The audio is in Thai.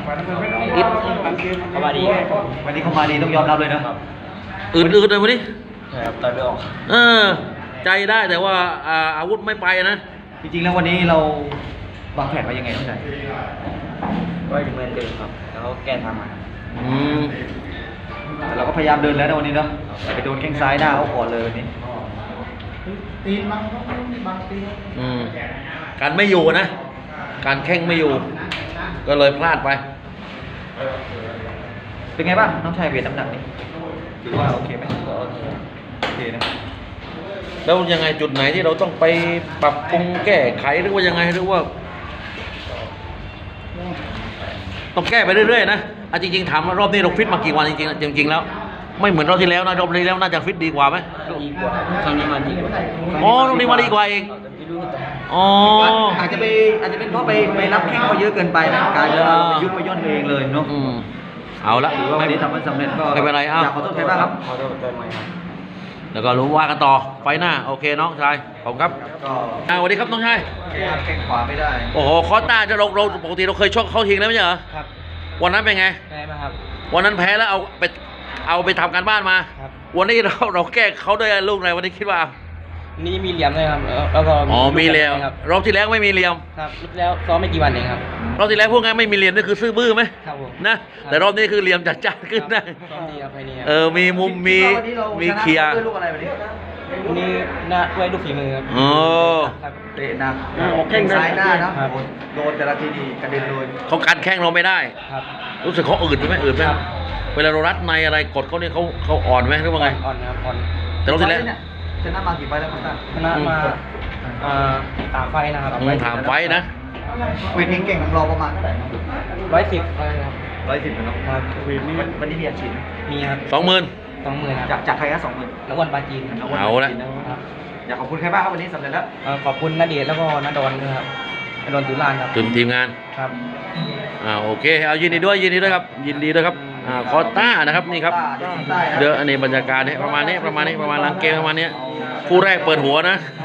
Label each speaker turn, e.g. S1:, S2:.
S1: อิดเขามาดี
S2: วันนี้เขามาดีต้องยอมรับเลยนะ
S3: อืดเลยวันนี้
S1: ใช่ครับต่อยไม่ออก
S3: ใจได้แต่ว่าอาวุธไม่ไปนะ
S2: จริงๆแล้ววันนี้เราวางแผนไว้ยังไงต้องใจ
S1: ก็เหมือนเดิมครับแล้วแก้ทางมา
S2: เราก็พยายามเดินแล้วนะวันนี้เนาะไปโดนแข้งซ้ายหน้าเขาก่อนเลยวันนี้
S4: ตีนมันบางตี
S3: การไม่อยู่นะการแข้งไม่อยู่ก็เลยพลาดไป
S2: เป็นไงบ้างน้องชายเวทน้ำหนักนี่ถือว่าโอเคไหมโอเคนะ
S3: แล้วยังไงจุดไหนที่เราต้องไปปรับปรุงแก้ไขหรือว่ายังไงหรือว่าต้องแก้ไปเรื่อยๆนะจริงๆถามว่ารอบนี้เราฟิตมากี่วันจริงๆแล้วไม่เหมือนรอบที่แล้วนะรอบที่แล้วน่าจะฟิตดีกว่าไหม
S1: ดีกว่าครั้งนี้มาดีกว่า
S3: อ๋อรอบนี้มาดีกว่าเองอ๋อ
S2: อาจจะเป็นเพราะไปรับแข้งเขาเยอะเกินไปนะการจะไปยุบไปย่นเองเลยเนาะ
S3: เอาละ
S2: ถือว่าวันนี้ทำให้สำเร็จก็
S3: ไม่เป็นไร
S2: อยากขอโทษใครบ้างครับ
S1: ขอโทษใจไหมครับ
S3: แล้วก็รู้ว่ากันต่อไฟหน้าโอเคน้องชายขอบคุณครับสวัสดีครับน้องชาย
S2: แข้งขวาไม่ได้
S3: โอ้โหคอต้าจะเราปกติเราเคยชกเข้าทิ้งแล้วไม่ใช่เหรอ
S1: ครับ
S3: วันนั้นเป็นไง
S1: แพ้ไหมครับ
S3: วันนั้นแพ้แล้วเอาไปทำการบ้านมาวันนี้เราแก้เขาด้วยลูกอะไรวันนี้คิดว่า
S1: นี่มีเหลี่ยมเลยครับแล้วก็
S3: มีเหลี่ยมรอบที่แล้วไม่มีเหลี่ยม
S1: ครับรอบแล้วซ้อมไม่กี่วันเองครับ
S3: รอบที่แล้วพวกงั้นไม่มีเหลี่ยมนี่คือซื่อบื้อไหม
S1: ครับผม
S3: นะแต่รอบนี้คือเหลี่ยมจัดจ้านขึ้นนะมีมุมมีเคลียร์
S1: วันนี้หน้าด้วยลูกฝีมือครับ
S2: เตะหนักแข้งซ้ายหน้านะโดนแต่ละทีดีกระเด็นเลย
S3: เขากันแข้งเราไม่ได้
S1: ครับ
S3: รู้สึกเขาอืดไหมเวลาเรารัดในอะไรกดเขาเนี่ยเขาอ่อนไหมหรือว่าไง
S1: อ่อนครับอ่อน
S3: แต่รอบที่แล้ว
S2: ชนะมากี่ไฟแล้วครับ
S1: ชนะมา3 ไฟนะครับ
S3: 3 ไฟนะ
S2: เวทเก่งของเราประมาณเท่าไหร่
S1: 110ครับ
S2: 110นะครับวันนี้มีอาชีพ
S1: มีครับ
S3: 20,000
S2: จากใครครับ20,000
S1: นักวันปาจีน
S3: เอาละ
S2: อยากขอบคุณใครบ้างครับวันนี้สำเร็จแล้ว
S1: ขอบคุณณเดชน์แล้วก็ณดอนนะครับณดอนตุลานครับ
S3: ทีมงาน
S1: ครับ
S3: โอเคเอายินดีด้วยครับยินดีด้วยครับคอต้านะครับนี่ครับเดี๋ยวอันนี้บรรยากาศเนี่ยประมาณลังเกมประมาณนี้คู่แรกเปิดหัวนะ